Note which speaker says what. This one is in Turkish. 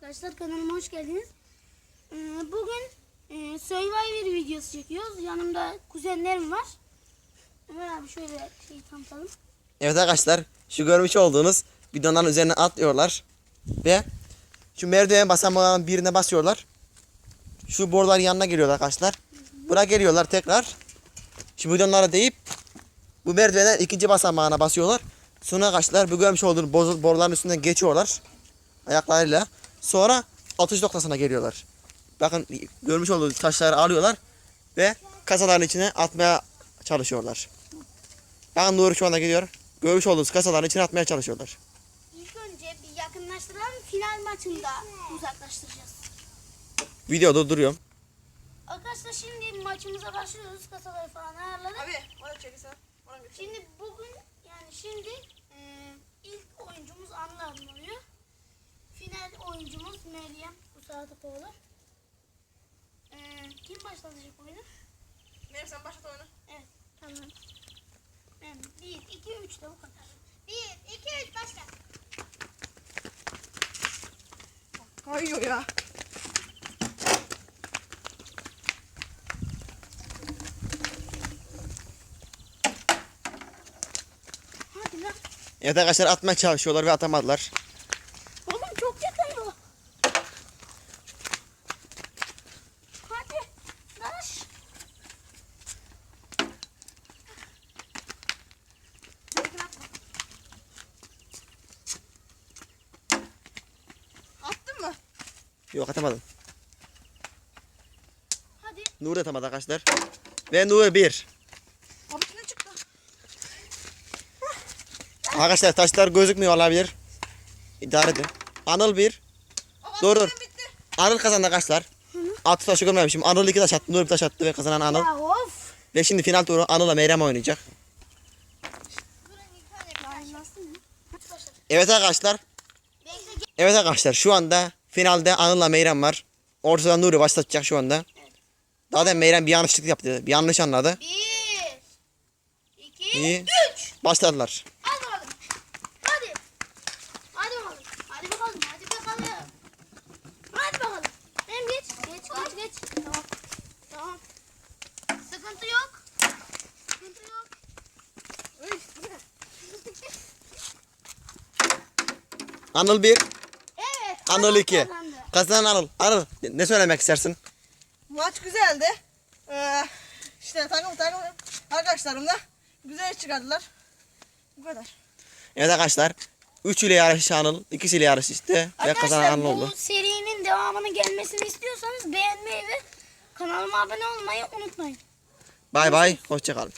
Speaker 1: Arkadaşlar kanalıma hoş geldiniz. Bugün Survivor videosu çekiyoruz. Yanımda kuzenlerim var. Ömer abi şöyle tanıtalım.
Speaker 2: Evet arkadaşlar, şu görmüş olduğunuz bidonların üzerine atlıyorlar ve şu merdiven basamağının birine basıyorlar. Şu boruların yanına geliyorlar arkadaşlar. Buraya geliyorlar tekrar. Şu bidonlara değip bu merdivenden ikinci basamağına basıyorlar. Sonra arkadaşlar bu görmüş olduğunuz boruların üstünden geçiyorlar ayaklarıyla. Sonra atış noktasına geliyorlar. Bakın görmüş olduğunuz taşları alıyorlar ve kasaların içine atmaya çalışıyorlar. Bakın Nuri şu anda gidiyor. Görmüş olduğunuz kasaların içine atmaya çalışıyorlar.
Speaker 1: İlk önce bir yakınlaştıralım. Final maçında uzaklaştıracağız.
Speaker 2: Videoda duruyorum.
Speaker 1: Arkadaşlar şimdi maçımıza başlıyoruz. Kasaları falan ayarladık.
Speaker 3: Abi bana çekilsene.
Speaker 1: Şimdi bugün şimdi ilk oyuncumuz Anıl oluyor. Final oyuncumuz Meryem Usadıkoğlu. Kim başlatacak oyunu?
Speaker 3: Meryem sen başlat oyunu.
Speaker 1: Evet, tamam. Ben 1, 2, 3 de bu kadar. 1, 2, 3 başla.
Speaker 3: Kayıyor ya.
Speaker 1: Hadi lan.
Speaker 2: Evet arkadaşlar atmaya çalışıyorlar ve atamadılar.
Speaker 1: Oğlum çok yakın bu. Hadi. Daş.
Speaker 3: Attın mı?
Speaker 2: Yok atamadım.
Speaker 1: Hadi.
Speaker 2: Nuri atamadı arkadaşlar. Ve Nuri 1.
Speaker 3: Abi ne çıktı?
Speaker 2: Arkadaşlar taşlar gözükmüyor olabilir. İdare edin. Anıl 1.
Speaker 3: Baba
Speaker 2: Dur, dur.
Speaker 3: benim bitti.
Speaker 2: Anıl kazandı arkadaşlar. Atı taşı görmemişim. Anıl 2 taş attı. Nuri bir taş attı ve kazanan Anıl.
Speaker 1: Ya of.
Speaker 2: Ve şimdi final turu Anıl'la Meyrem oynayacak. Evet arkadaşlar. Evet arkadaşlar şu anda finalde Anıl'la Meyrem var. Ortadan Nuri başlatacak şu anda. Daha da Meyrem bir yanlışlık yaptı. Bir yanlış anladı.
Speaker 1: 1, 2,
Speaker 2: İyi.
Speaker 1: 3.
Speaker 2: Başladılar.
Speaker 1: Hadi bakalım. Hadi. Hadi bakalım. Hadi bakalım. Hadi bakalım. Hadi bakalım. Hem geç. Geç. Tamam. Tamam. Sıkıntı yok. Sıkıntı yok.
Speaker 3: Uy, bu ne?
Speaker 2: Anıl 1.
Speaker 1: Evet.
Speaker 2: Anıl 2.
Speaker 1: kazandı.
Speaker 2: Kazanan Anıl. Anıl ne söylemek istersin?
Speaker 3: Maç güzeldi. İşte takım arkadaşlarım da güzel çıkardılar. Bu kadar.
Speaker 2: Evet arkadaşlar. 3 ile yarıştı Anıl. 2 ile yarıştı ve kazanan Anıl oldu.
Speaker 1: Bu serinin devamının gelmesini istiyorsanız beğenmeyi ve kanalıma abone olmayı unutmayın.
Speaker 2: Bay bay. Hoşça kalın.